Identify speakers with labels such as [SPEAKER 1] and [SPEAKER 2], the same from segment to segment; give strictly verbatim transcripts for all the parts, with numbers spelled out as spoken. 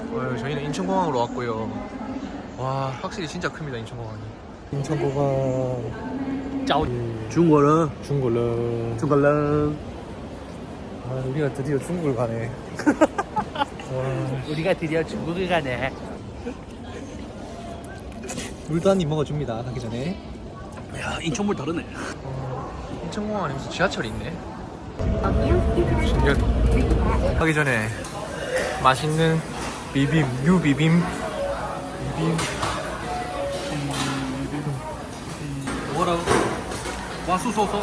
[SPEAKER 1] 어, 저희는 인천공항으로 왔고요. 와, 확실히 진짜 큽니다, 인천공항이. 인천공항. 짜오.
[SPEAKER 2] 중국어
[SPEAKER 1] 중국어.
[SPEAKER 2] 중국어
[SPEAKER 1] 아, 우리가 드디어 중국을 가네. 와,
[SPEAKER 2] 우리가 드디어 중국을 가네.
[SPEAKER 1] 물도 한 입 먹어줍니다, 가기 전에.
[SPEAKER 2] 야, 인천물 다르네.
[SPEAKER 1] 어, 인천공항 안에 무슨 지하철이 있네. 신기하다. 가기 전에 맛있는 비빔, 유비빔. 비빔.
[SPEAKER 2] 뭐라고? 와수소소.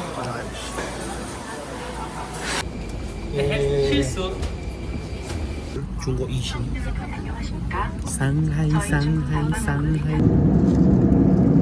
[SPEAKER 1] 예.
[SPEAKER 2] 실수. 중국 이신. 상하이 상하이 상하이.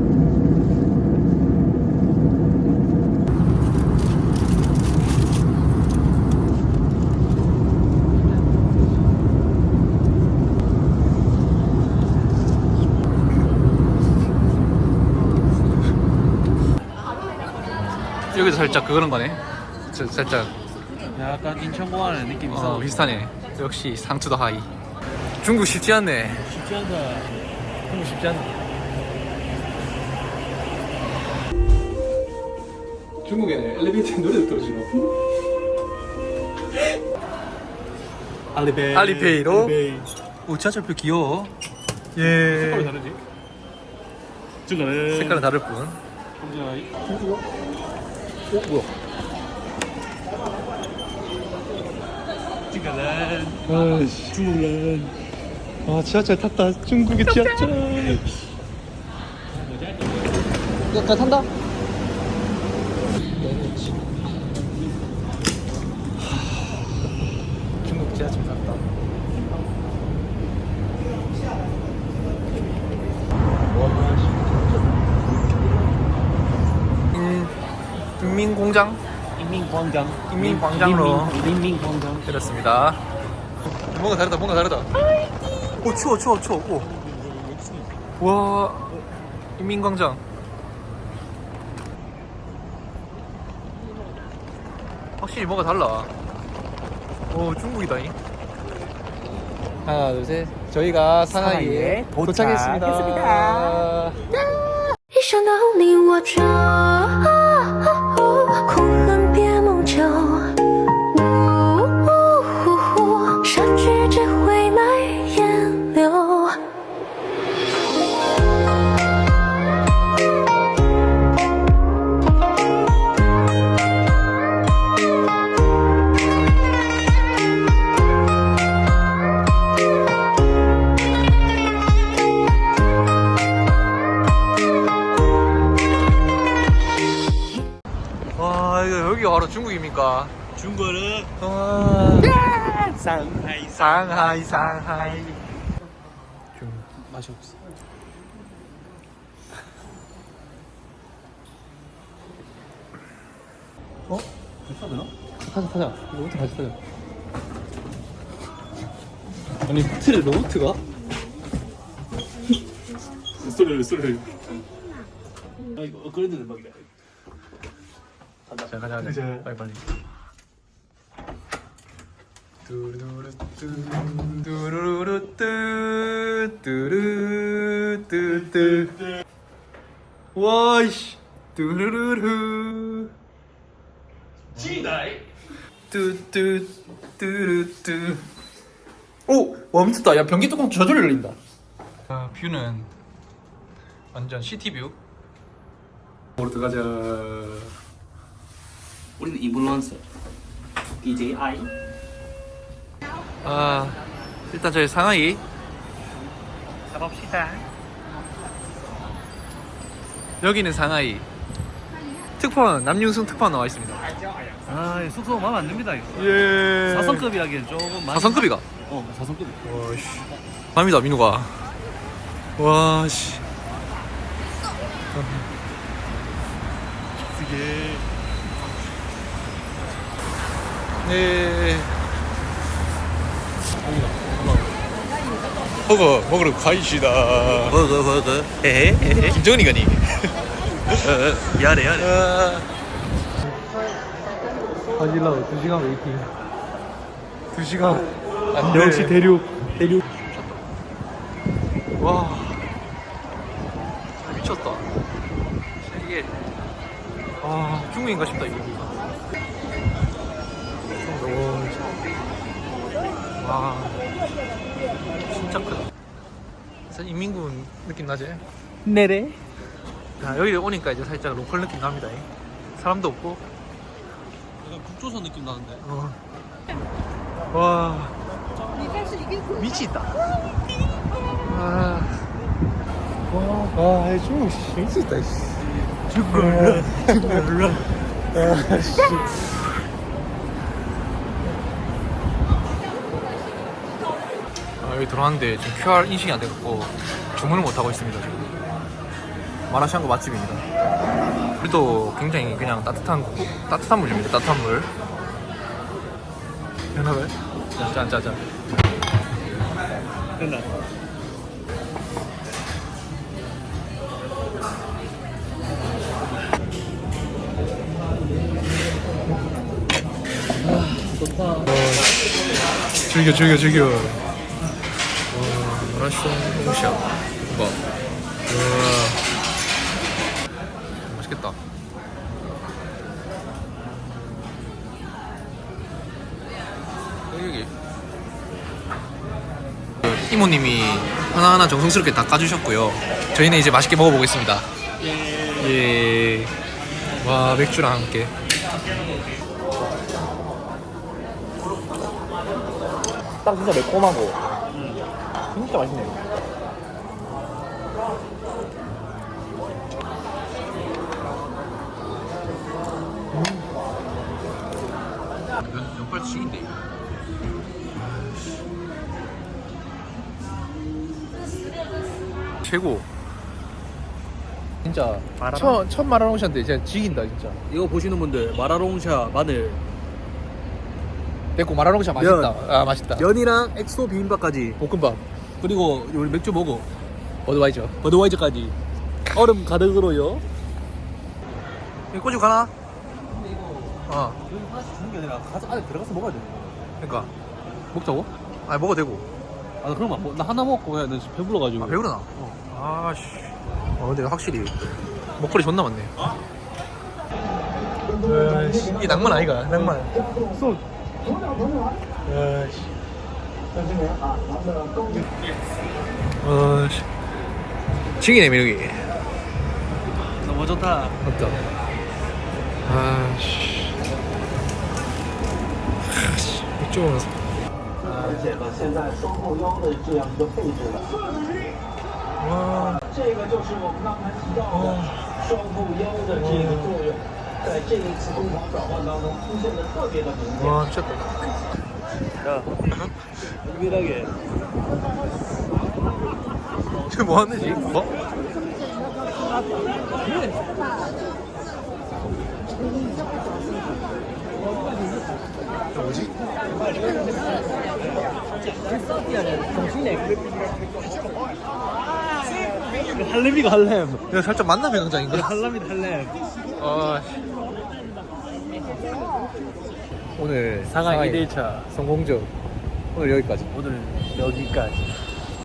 [SPEAKER 1] 여기도 살짝 그런 거네. 저, 살짝
[SPEAKER 2] 약간 인천공항의 느낌이 있어.
[SPEAKER 1] 어, 비슷하네. 역시 상투더 하이. 중국 쉽지 않네.
[SPEAKER 2] 쉽지 않다.
[SPEAKER 1] 중국 쉽지 않네. 중국에는 엘리베이터에 노래도 틀어주노.
[SPEAKER 2] 알리페이.
[SPEAKER 1] 알리페이로?
[SPEAKER 2] 알리페이.
[SPEAKER 1] 오, 지하철표 귀여워. 예.
[SPEAKER 2] 색깔이 다르지? 중간에
[SPEAKER 1] 색깔은 다를 뿐.
[SPEAKER 2] 혼자
[SPEAKER 1] 오, 뭐야?
[SPEAKER 2] 중간에
[SPEAKER 1] 아이씨.
[SPEAKER 2] 중국은
[SPEAKER 1] 아, 지하철 탔다. 중국의 지하철. 야, 나 탄다. 중국 지하철 탔다. 인, 인민공장?
[SPEAKER 2] 인민광장.
[SPEAKER 1] 인민광장으로.
[SPEAKER 2] 인민광장.
[SPEAKER 1] 그렇습니다. 뭔가 다르다, 뭔가 다르다. 오, 추워, 추워, 추워. 오. 와, 인민광장. 확실히 뭔가 달라. 오, 중국이다니. 하나, 둘, 셋. 저희가 상하이에
[SPEAKER 2] 상하이에
[SPEAKER 1] 도착했습니다.
[SPEAKER 2] 도착했습니다.
[SPEAKER 3] 一想到你我就哭恨别梦久，善举只会埋烟柳。
[SPEAKER 1] 와, 이거 여기가 바로 중국입니까?
[SPEAKER 2] 중국은
[SPEAKER 1] 와,
[SPEAKER 2] 상하이.
[SPEAKER 1] 상하이, 상하이. 좀
[SPEAKER 2] 맛이 없어.
[SPEAKER 1] 어?
[SPEAKER 2] 괜찮나?
[SPEAKER 1] 타자, 타자. 로봇 같이 타자. 아니, 틀에 로봇가?
[SPEAKER 2] 소리를 소리를. 아 이거 업그레이드 대박이다.
[SPEAKER 1] 자, 가자, 가자.
[SPEAKER 2] 가자.
[SPEAKER 1] 빨리, 빨리. 뚜루루루 뚜, 뚜루루루 뚜, 뚜루, 뚜, 뚜. 와이씨. 뚜루루루.
[SPEAKER 2] 지나이.
[SPEAKER 1] 뚜, 뚜, 뚜루, 뚜. 오! 와, 미쳤다. 야, 변기 뚜껑 저절로 열린다. 아, 뷰는 완전 시티뷰. 으로 들어가자.
[SPEAKER 2] 우리는 인플루언서. 디제이 아이.
[SPEAKER 1] 아, 일단 저희 상하이
[SPEAKER 2] 가봅시다.
[SPEAKER 1] 여기는 상하이 특파원 남윤승 특파원 나와 있습니다.
[SPEAKER 2] 아 숙소 마음에 안 듭니다 이거.
[SPEAKER 1] 예.
[SPEAKER 2] 사성급이라기엔 조금 많이.
[SPEAKER 1] 사성급이가.
[SPEAKER 2] 어 사성급.
[SPEAKER 1] 와씨. 밤이다 민우가. 와씨.
[SPEAKER 2] 쓰게.
[SPEAKER 1] 네. 허거 먹으러 가이시다.
[SPEAKER 2] 버거 버거. 에헤.
[SPEAKER 1] 김정은이가니.
[SPEAKER 2] 야래 야래.
[SPEAKER 1] 하질라고 두 시간 웨이팅. 두 시간. 안 돼.
[SPEAKER 2] 역시 대륙 대륙.
[SPEAKER 1] 와 미쳤다. 이게 아 중국인가 싶다 이거. 와 진짜 크다. 사실 인민군 느낌 나지?
[SPEAKER 2] 네네.
[SPEAKER 1] 야, 여기 오니까 이제 살짝 로컬 느낌 납니다. 사람도 없고.
[SPEAKER 2] 약간 국조선 느낌 나는데.
[SPEAKER 1] 어. 와 미치다. 아. 와, 와, 중국 씨 미치다. 중국, 중국, 아, 씨. 아, 여기 들어왔는데 지금 큐알 인식이 안 돼갖고 주문을 못 하고 있습니다 지금. 마라샹궈 맛집입니다. 우리도 굉장히 그냥 따뜻한 국- 따뜻한 물입니다. 따뜻한 물. 연합을 짠, 짠, 짠.
[SPEAKER 2] 됐나? 좋다.
[SPEAKER 1] 즐겨, 즐겨, 즐겨. 와, 마라샹 홍샤. 봐. 우와. 맛있겠다. 여기. 그 이모님이 하나하나 정성스럽게 다 까주셨고요. 저희는 이제 맛있게 먹어보겠습니다. 예. 와, 맥주랑 함께. 딱 진짜 매콤하고 진짜 맛있네요. 면, 면발치인데 최고. 진짜 첫, 첫 마라롱샤인데 진짜 지긴다 진짜.
[SPEAKER 2] 이거 보시는 분들 마라롱샤 마늘
[SPEAKER 1] 됐고 마라롱샤 맛있다. 아 맛있다.
[SPEAKER 2] 면이랑 엑소 비빔밥까지
[SPEAKER 1] 볶음밥
[SPEAKER 2] 그리고 우리 맥주 먹어
[SPEAKER 1] 어드바이저.
[SPEAKER 2] 버드와이저까지 얼음 가득으로요.
[SPEAKER 1] 이거 꼬집 가나? 어
[SPEAKER 2] 하나씩 주는 게 아니라 가서 안에 들어가서 먹어야 돼.
[SPEAKER 1] 그러니까 먹자고? 아니 먹어도 되고.
[SPEAKER 2] 아 그럼 안 먹- 나 하나 먹고 그냥 나 지금 배불러가지고.
[SPEAKER 1] 아 배우르나? 아씨. 어 근데 확실히 먹거리 존나 많네. 아이씨, 이게 낭만 아이가? 낭만. 소. 아이씨. 아이씨. 지기네 매력이.
[SPEAKER 2] 너무 좋다.
[SPEAKER 1] 맞다. 아이씨. 아이씨. 맥주 먹으면서.
[SPEAKER 4] 而且呢，现在双后腰的这样一个配置了，
[SPEAKER 1] 와.
[SPEAKER 4] 这个就是我们刚才提到的双后腰的这个作用，在这一次攻防转换当中出现的特别的明显。
[SPEAKER 1] 와 미쳤다.
[SPEAKER 2] 야, 유일하게
[SPEAKER 1] 지금 뭐 하는 지 뭐? 저 뭐지?
[SPEAKER 2] 할렘이가 할렘.
[SPEAKER 1] 이거 살짝 만남의 광장인가?
[SPEAKER 2] 할렘이 할렘.
[SPEAKER 1] 아. 오늘
[SPEAKER 2] 상하이 이 대 일 차
[SPEAKER 1] 성공적 오늘 여기까지.
[SPEAKER 2] 오늘 여기까지.